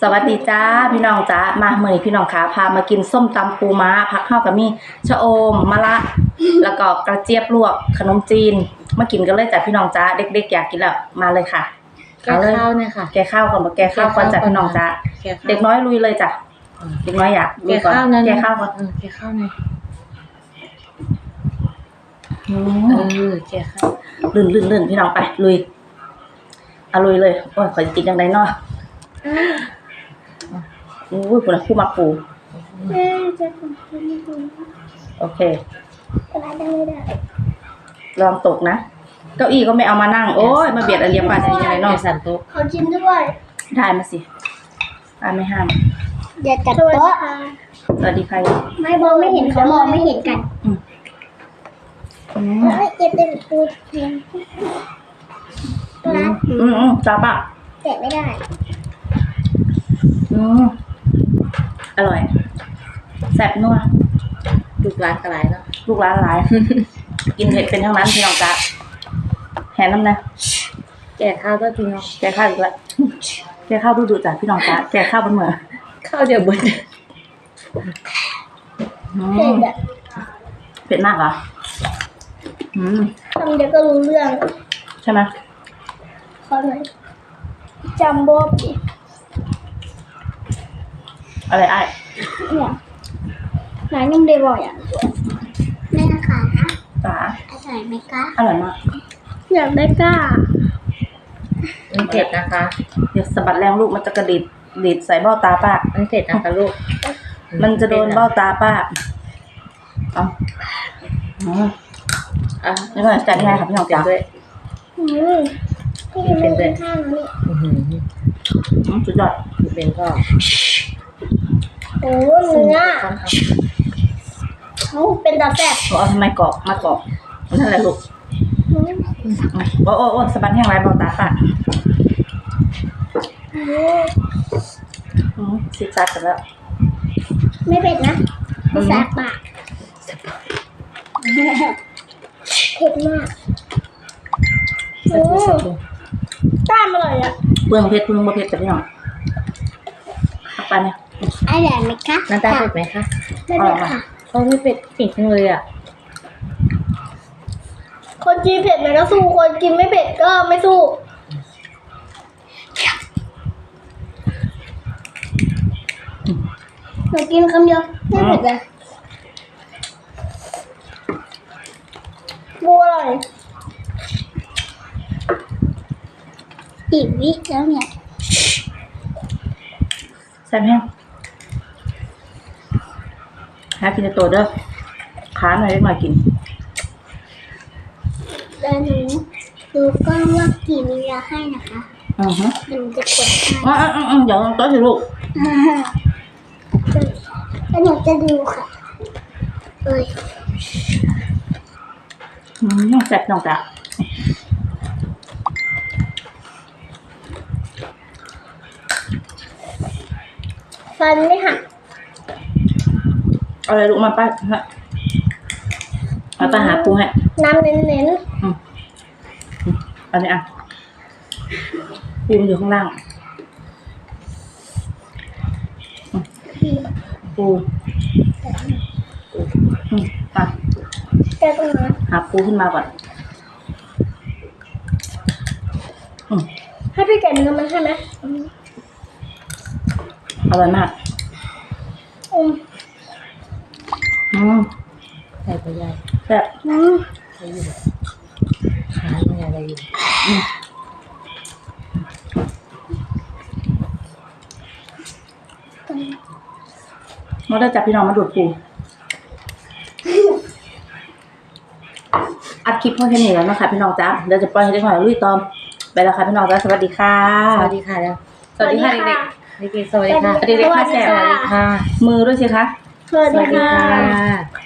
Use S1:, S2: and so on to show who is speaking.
S1: สวัสดีจ้าพี่น้องจ้ามาเมื่อนี้พี่น้องขาพามากินส้มตำปูม้าผักข้าวกับมีชะอมมะระแล้วก็กระเจี๊ยบลวกขนมจีนมากินกันเลยจ้ะพี่น้องจ้าเด็กๆอยากกินแล้วมาเลยค่ะ
S2: แกะข้าวเนี่ยค่ะ
S1: แกะข้าวก่อนแกะข้าวก่อนจ้ะพี่น้องจ้าเด็กน้อยลุยเลยจ้ะเด็กน้อยอยาก
S2: แกะข้าวนั้น
S1: แกะข้าวก่อน
S2: แกะข้าวหน่อย แกะข้าว
S1: ลื่นพี่น้องไปลุยเอาลุยเลยโอ้ยขอจะกินยังไงเนาะอุ้ยคุณคู่มาปูโอเคลองตกนะเก้าอี้ก็ไม่เอามานั่งโอ้ยมาเบียดอาเลียมป่าจะยังไงเนาะ
S2: สันโต๊ะ
S3: ขอชิมด้วย
S1: ได้มาสิป้าไม่ห้าม
S3: อย่าจัดโต๊ะ
S1: สวัสดีใคร
S3: ไม่มองไม่เห็นเขามองไม่เห็นกันเก็บเป็นตัวเพียงร้าน
S1: จ้าป่ะ
S3: แกะไม่ได้
S1: อร่อยแซ่บนัว
S2: ลูกร้านกระไรเนาะ
S1: ลูกร้านหลาย กินเผ็ดเป็นทั้งนั้นพี่น้องจ้าแหนน้ำนะ
S2: แกะข้าวก็จริงเนาะ
S1: แกะข้าวอีกแล้วแกะข้าวดูจ้ะพี่น้องจ้าแกะข้าวบนเหมือ
S2: ข้าวเดียวเบิด
S3: เผ็ดอ่ะ
S1: เผ็ดมากเหรอ
S3: ทำเดี๋ยวก็รู้เรื่อง
S1: ใช่ไหม
S3: ขอหน่อยจัมโบ้ดิ
S1: อะไรไอ้
S3: เนี่ยร้านยังได้บ่อยอ่ะแม่นะคะ
S1: จ๋า
S3: อร่อยไหมคะ
S1: อร่อยมาก
S3: อยากได้ก้า
S2: มันเผ็ดนะคะ
S1: เดี๋ยวสะบัดแรงลูกมันจะกระดิดใส่เบ้าตาป้า
S2: มันเผ็ดนะคะลูก
S1: มันจะโดนเบ้าตาป้าเอานี่ก็จัดง่ายค่ะพี่น้องจ๋า
S2: ด้วย
S3: พี่ยังไม่เป็นข้าวนะนี่
S1: สุดยอด
S2: เป็นก็
S3: โอ้เนื้อเขาเป็นตาแซ่บ
S1: เอาทำไมกรอบมากรอบมันนั่นแหละลูกโอ้สะบัดแห้งไรเบ้าตาป้าซิกซักกันแล้ว
S3: ไม่เผ็ดนะไม่แซ่บปากเผ็ดมากต้ามอร่อยอ่ะ
S1: เปลืองเพชรเปลืองบะเพ็ดแต่พี่น้องไปเนี่ย
S3: อร่อยไหมคะ
S2: น้ำตาเผ็ดไหมคะ
S3: ไม่เผ็ดค่ะ
S2: เขาไม่เผ็ดจริงเลยอ่ะ
S3: คนกินเผ็ดมันก็สู้คนกินไม่เผ็ดก็ไม่สู้หนูกินคำเดียวไม่เผ็ดเลยบัวอร่อยอีกวิแล้วเนี่ย
S1: แซ่บแห้งหากินในตัวเด้อขาหน่อยเล็กหน่อยกิน
S3: แล้วหนูดูกล้องว่ากี่มีเวลาให้นะคะมันจะกดให้
S1: เดี๋ยวโต๊ะสิลูก
S3: แล้วหนูจะดูค่ะเอ้ย
S1: แซ่บน้องจ้ะ
S3: ฟันไม่หัก
S1: เอาอะไรลูกมาป้าฮะเอาป้าหาปูให้
S3: น้ำเน้น
S1: อันนี้อ่ะปูมันอยู่ข้างล่างปูอ่ะ
S3: ๆแต่ตรงนั้น
S1: หาปูขึ้นมาก่อน
S3: ให้พี่แกะเนื้อมันใช่ไหม
S1: อร่อยมาก
S2: ใส่ไปใหญ่
S1: แซ่บ
S2: ใส่อยู่หาไม่อะไรอยู่
S1: เราได้จับพี่น้องมาดูดปูอัดคลิปเพื่อแค่นี้แล้วนะคะพี่น้องจ้าเดี๋ยวจะปล่อยให้เด็กหน่อยลุยตอมไปแล้วค่ะพี่น้องจ้าสวัสดีค่ะ
S2: สวัสดีค่ะแล้ว
S1: สวัสดีค่ะเด็ก
S2: เด็กๆสวัสดีค่ะ
S1: เด็กๆค่ะแซ่บ
S2: สวัสดีค่ะ
S1: ๆมือด้วยสิคะ
S3: สวัส
S2: สวัส
S3: ดี
S2: ดี
S3: ค่ะ
S2: ค่ะ